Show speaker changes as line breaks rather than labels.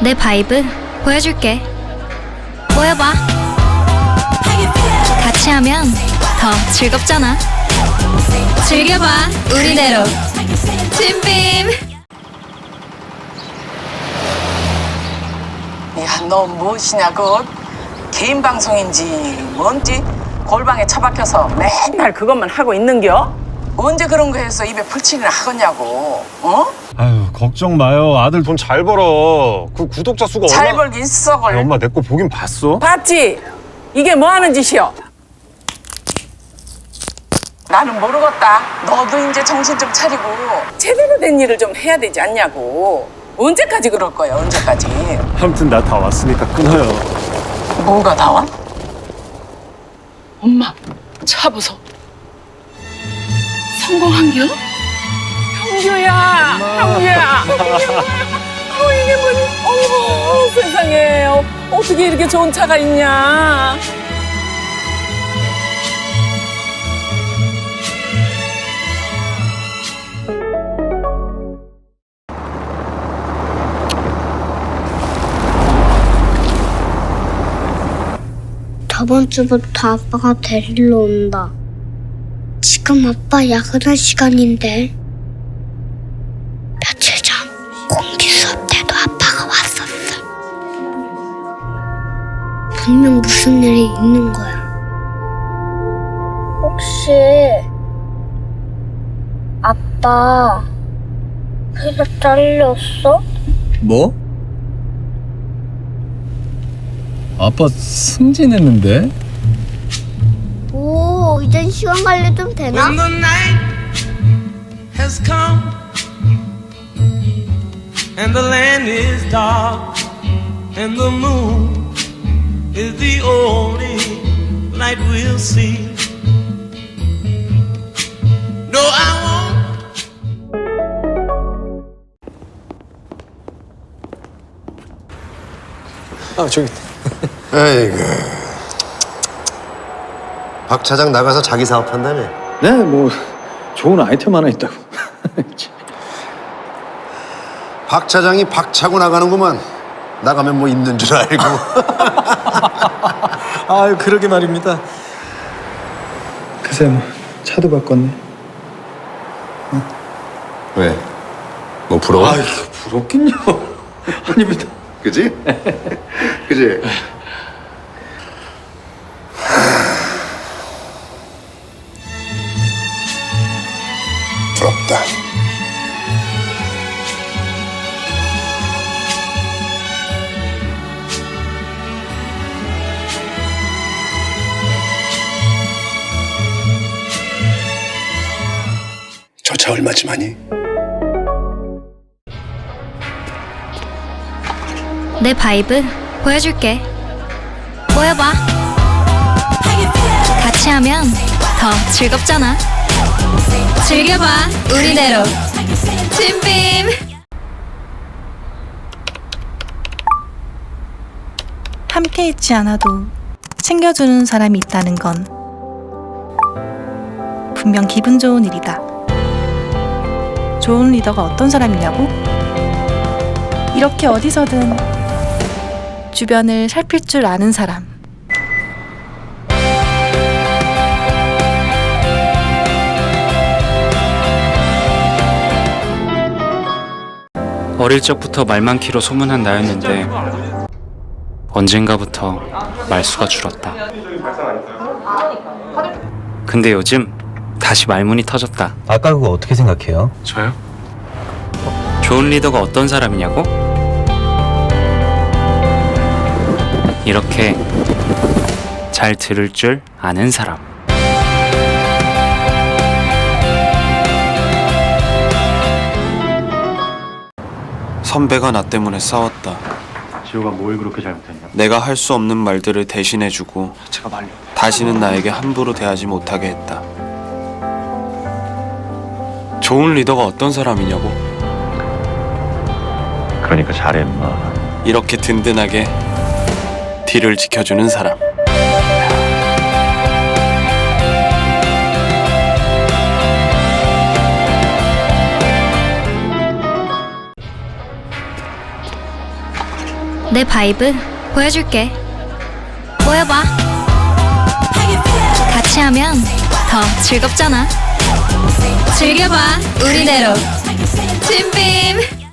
내 바이브 보여줄게. 모여봐. 같이 하면 더 즐겁잖아. 즐겨봐, 우리대로. 진빔.
야, 너 무엇이냐, 그 개인 방송인지 뭔지 골방에 처박혀서 맨날 그것만 하고 있는겨? 언제 그런 거 해서 입에 풀칠이나 하겠냐고, 어?
아유, 걱정 마요. 아들 돈 잘 벌어. 그 구독자 수가
잘 벌긴 썩을.
엄마 내 거 보긴 봤어?
봤지? 이게 뭐 하는 짓이여? 나는 모르겠다. 너도 이제 정신 좀 차리고 제대로 된 일을 좀 해야 되지 않냐고. 언제까지 그럴 거야, 언제까지?
아무튼 나 다 왔으니까 끊어요.
뭐가 나와? 엄마, 차 보소. 성공한겨? 형규야, 형규야. 이게 뭐니? 어머, 세상에. 어떻게 이렇게 좋은 차가 있냐?
저번 주부터 아빠가 데리러 온다. 지금 아빠 야근할 시간인데. 며칠 전 공기 수업 때도 아빠가 왔었어. 분명 무슨 일이 있는 거야. 혹시 아빠 회사 잘렸어?
뭐? 아빠 승진했는데?
오, 이젠 시간 관리 좀 되나?
When the night has come and the land is dark and the moon is the only light we'll see. No, I won't.
아 저기
아이고. 박 차장 나가서 자기 사업한다며.
네 뭐 좋은 아이템 하나 있다고.
박 차장이 박 차고 나가는구만. 나가면 뭐 있는 줄 알고.
아유 그러게 말입니다. 글쎄 뭐 차도 바꿨네.
왜? 뭐 부러워?
아이 부럽긴요. 아닙니다.
그지? 그지? 부럽다. 저 차 얼마지만이?
내 바이브 보여줄게. 모여봐. 같이 하면 더 즐겁잖아. 즐겨봐, 우리대로. 진빔.
함께 있지 않아도 챙겨주는 사람이 있다는 건 분명 기분 좋은 일이다. 좋은 리더가 어떤 사람이냐고? 이렇게 어디서든 주변을 살필 줄 아는 사람.
어릴 적부터 말 많기로 소문한 나였는데 언젠가부터 말수가 줄었다. 근데 요즘 다시 말문이 터졌다.
아까 그거 어떻게 생각해요?
저요? 좋은 리더가 어떤 사람이냐고? 이렇게 잘 들을 줄 아는 사람.
선배가 나 때문에 싸웠다.
지호가 뭘 그렇게 잘못했냐?
내가 할 수 없는 말들을 대신해주고
제가 말려.
다시는 나에게 함부로 대하지 못하게 했다. 좋은 리더가 어떤 사람이냐고?
그러니까 잘해, 인마.
이렇게 든든하게 뒤를 지켜주는 사람.
내 바이브 보여줄게. 모여봐. 같이 하면 더 즐겁잖아. 즐겨봐 우리대로. 진빔.